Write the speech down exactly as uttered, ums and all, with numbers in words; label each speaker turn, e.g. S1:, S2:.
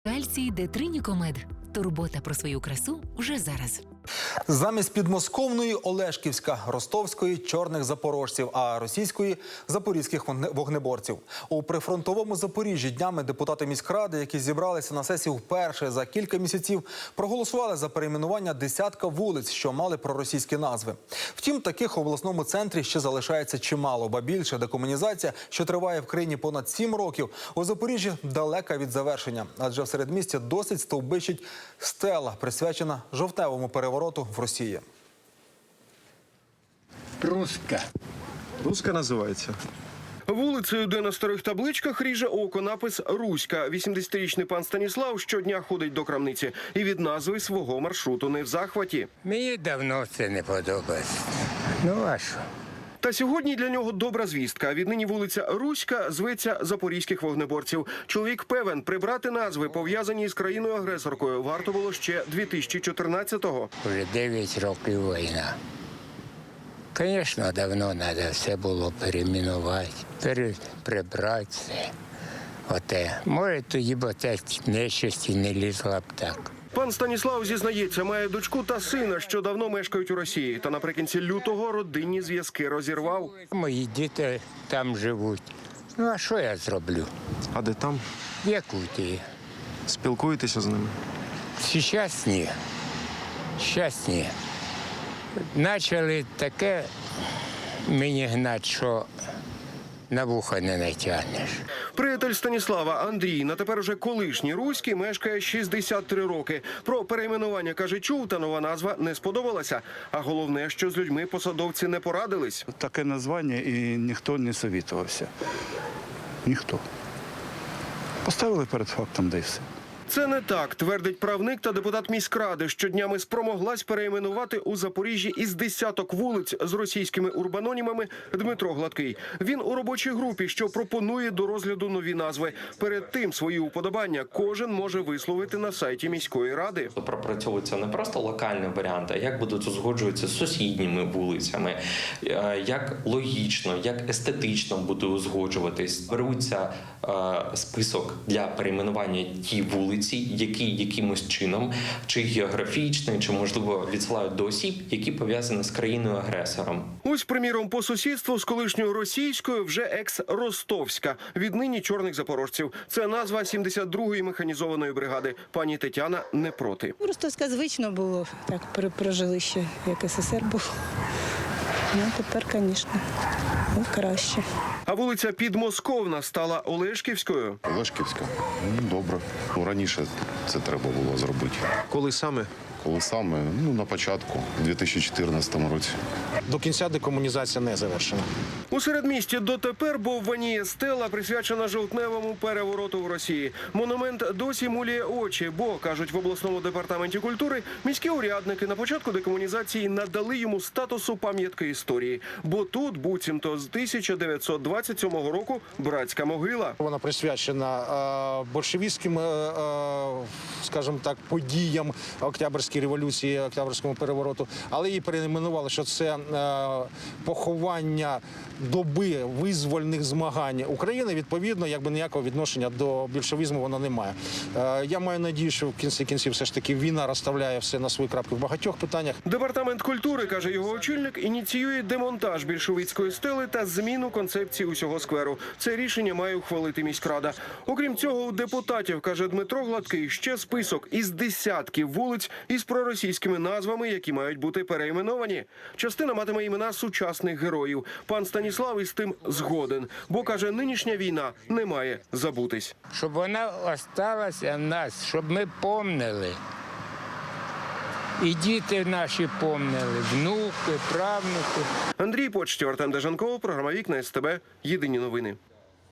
S1: Кальцій Детринікомед. Турбота про свою красу вже зараз.
S2: Замість підмосковної – Олешківська, ростовської – чорних запорожців, а російської – запорізьких вогнеборців. У прифронтовому Запоріжжі днями депутати міськради, які зібралися на сесію вперше за кілька місяців, проголосували за перейменування десятка вулиць, що мали проросійські назви. Втім, таких у обласному центрі ще залишається чимало, ба більше декомунізація, що триває в країні понад сім років, у Запоріжжі далека від завершення. Адже в середмісті досить стовбичить стела, присвячена жовтневому перевороту в Росії.
S3: Руська.
S4: Руська називається.
S5: Вулицею, де на старих табличках ріже око напис «Руська». вісімдесятирічний пан Станіслав щодня ходить до крамниці і від назви свого маршруту не в захваті.
S3: Мені давно це не подобається. Ну а що?
S5: Та сьогодні для нього добра звістка. Віднині вулиця Руська зветься Запорізьких вогнеборців. Чоловік певен, прибрати назви, пов'язані з країною-агресоркою, варто було ще дві тисячі чотирнадцятого.
S3: Вже дев'ять років війна. Звісно, давно треба все було перейменувати, пере... прибрати все. Оте. Може, тоді б те нещасті не лізла б так.
S5: Пан Станіслав зізнається, має дочку та сина, що давно мешкають у Росії. Та наприкінці лютого родинні зв'язки розірвав.
S3: Мої діти там живуть. Ну, а що я зроблю?
S4: А де там?
S3: В Якутії.
S4: Спілкуєтеся з ними?
S3: Зараз ні. Зараз ні. Почали таке мені гнати, що на вуха не натягнеш.
S5: Приятель Станіслава Андрій, на тепер уже колишній руський, мешкає шістдесят три роки. Про перейменування, каже, чув, та нова назва не сподобалася. А головне, що з людьми посадовці не порадились.
S6: Таке названня і ніхто не совітувався. Ніхто. Поставили перед фактом, де й все.
S5: Це не так, твердить правник та депутат міськради, що днями спромоглась перейменувати у Запоріжжі із десяток вулиць з російськими урбанонімами Дмитро Гладкий. Він у робочій групі, що пропонує до розгляду нові назви. Перед тим свої уподобання кожен може висловити на сайті міської ради.
S7: Пропрацьовується не просто локальний варіант, а як будуть узгоджуватися з сусідніми вулицями, як логічно, як естетично буде узгоджуватись. Беруться список для перейменування ті вулиці, які якимось чином, чи географічний, чи, можливо, відсилають до осіб, які пов'язані з країною-агресором.
S5: Ось, приміром, по сусідству з колишньою російською вже екс-ростовська, віднині чорних запорожців. Це назва сімдесят другої механізованої бригади. Пані Тетяна не проти.
S8: Ростовська звично було, так прожили ще, як СССР був. Ну, тепер, звісно, краще.
S5: А вулиця Підмосковна стала Олешківською.
S9: Олешківська? Ну, добре. Ну, раніше це треба було зробити.
S4: Коли саме?
S9: Коли саме? Ну, на початку, у дві тисячі чотирнадцятому році.
S10: До кінця декомунізація не завершена.
S5: У середмісті дотепер бовваніє стела, присвячена жовтневому перевороту в Росії. Монумент досі мулює очі, бо, кажуть в обласному департаменті культури, міські урядники на початку декомунізації надали йому статусу пам'ятки історії. Бо тут, буцімто, з тисяча дев'ятсот двадцять сьомого року братська могила.
S10: Вона присвячена е, большевістським, е, е, скажімо так, подіям Октябрьської революції, Октябрьському перевороту, але її перейменували, що це е, поховання доби визвольних змагань України. Відповідно, якби ніякого відношення до більшовізму вона не має. Е, я маю надію, що в кінці кінців все ж таки війна розставляє все на свої крапки в багатьох питаннях.
S5: Департамент культури, каже його очільник, ініціює демонтаж більшовицької стели та зміну концепції усього скверу. Це рішення має ухвалити міськрада. Окрім цього, у депутатів, каже Дмитро Гладкий, ще список із десятків вулиць із проросійськими назвами, які мають бути перейменовані. Частина матиме імена сучасних героїв. Пан Станіслав із тим згоден, бо, каже, нинішня війна не має забутись.
S3: Щоб вона залишилася в нас, щоб ми помнили. І діти наші помнили, внуки, правнуки.
S5: Андрій Почтєв, Артем Дежанков, програма «Вікна СТБ». Єдині новини.